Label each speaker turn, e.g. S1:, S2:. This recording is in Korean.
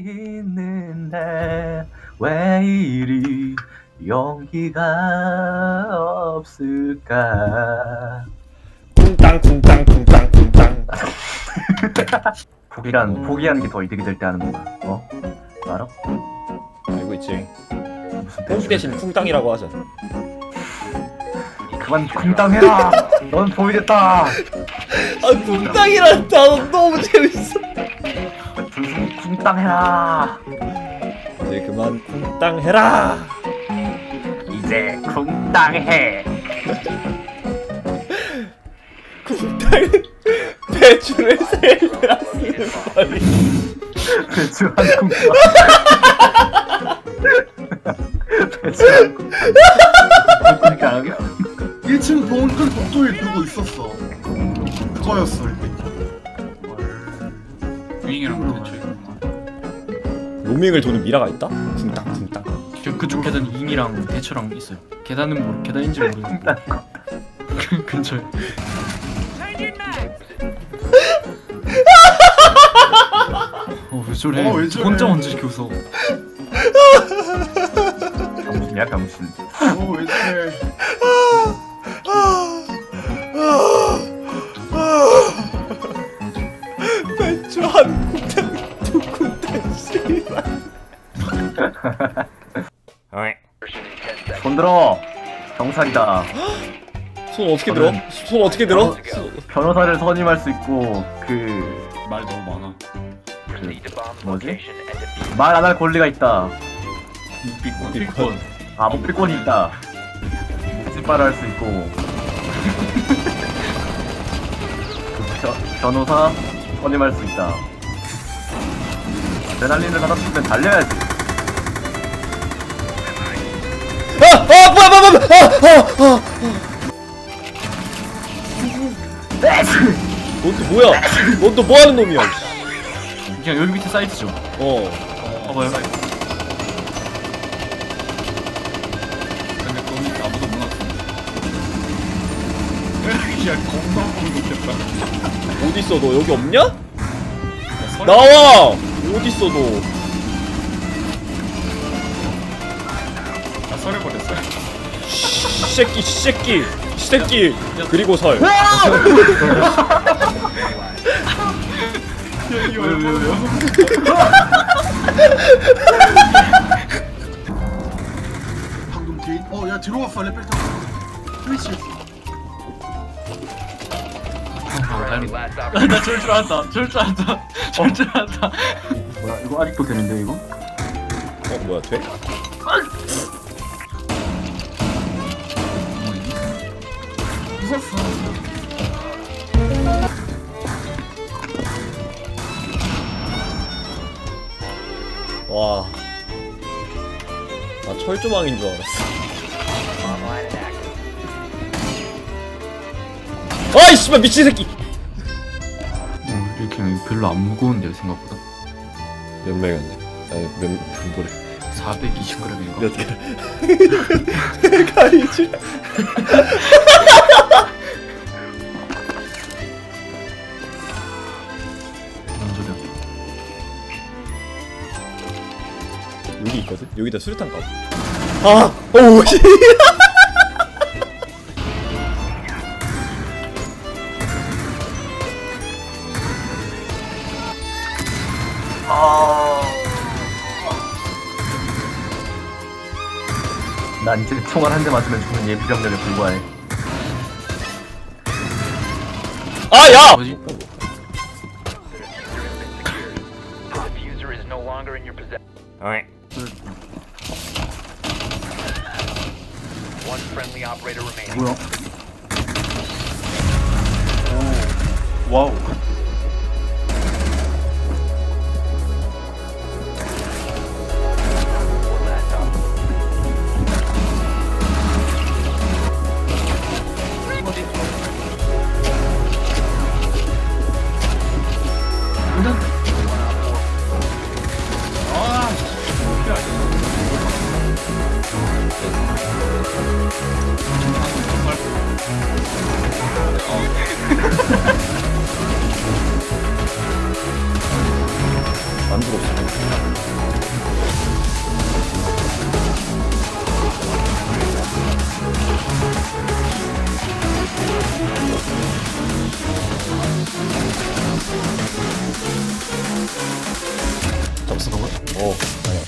S1: 있는데 왜 이리 용기가 없을까?
S2: 쿵땅 쿵땅 쿵땅 쿵땅.
S1: 포기하는 게 더 이득이 될 때 하는 거야. 어? 알아?
S2: 알고 있지.
S1: 무슨
S2: 쿵 대신 쿵땅이라고 하자.
S1: 그만 쿵땅해라. 넌 포기됐다.
S2: 아 쿵땅이란 단어 너무 재밌어.
S1: 무슨 쿵땅해라.
S2: 이제 그만 쿵땅 해라.
S1: 이제 쿵땅해.
S2: 쿵땅은 배추를 세일라 쓰는 말이.
S1: 배추 한 쿵땅. 배추 한 쿵땅. 쿵땅.
S3: 1층 동큰 복도에 두고 있었어. 그거였어 이게.
S4: 윙이랑 대처이구나.
S2: 로밍을 도는 미라가 있다? 쿵땅 쿵땅.
S4: 그쪽 계단 윙이랑 대처랑 있어요. 계단은 계단인지 모르겠는데 그 근처에. 왜 저래?
S3: 왜 저래?
S4: 혼자 먼저 이렇게 웃어.
S1: 병신이야 병신.
S3: 왜 저래?
S2: 배추 한 쿵땅 두 쿵땅 씨발.
S1: 손 들어. 경찰이다.
S2: 손 어떻게 들어? 손 어떻게 들어?
S1: 변호사를 선임할 수 있고 그
S4: 말 너무 많아.
S1: 뭐지? 말 안 할 권리가 있다.
S4: 픽권.
S1: 아 목필권이 있다. 묵지발을 할 수 있고 변호사 선임할 수 있다. 아드레날린을 받아 싶으면 달려야지.
S2: 넌 또 뭐야? 넌 또 뭐하는 놈이야?
S4: 그냥 여기 밑에 사이트죠. 봐봐요. 근데 거기 아무도 못 왔어. 야 겁나 못했다.
S2: 어딨어 너 여기 없냐? 나와! 어딨어 너?
S4: 나 설해버렸어.
S2: 새끼 그리고 설.
S4: 왜요?
S3: 방금 뒤. 야 들어왔어 레벨 타고. 스위치했어.
S4: 나 저럴 줄 알았다. 저럴 줄 알았다.
S1: 뭐야 이거 아직도 되는데 이거?
S2: 뭐야 돼?
S3: 웃었어.
S2: 와. 나 철조망인 줄 알았어. 아이 씨발 미친 새끼.
S4: 이렇게 별로 안 무거운데요 생각보다.
S2: 몇 명이었네? 아니 몇 뭐래?
S4: 420g인가?
S2: 몇 개? 가이지.
S4: 뭔 소리야?
S2: 여기 있거든? 여기다 수류탄 까고. 오우 씨.
S1: 난 이제 총알 한 대 맞으면 죽는 예비병력에 불과해.
S2: 야!
S4: 뭐지?
S1: 뭐야?
S4: 와우.
S2: 없어 그거?
S5: 오 아니야.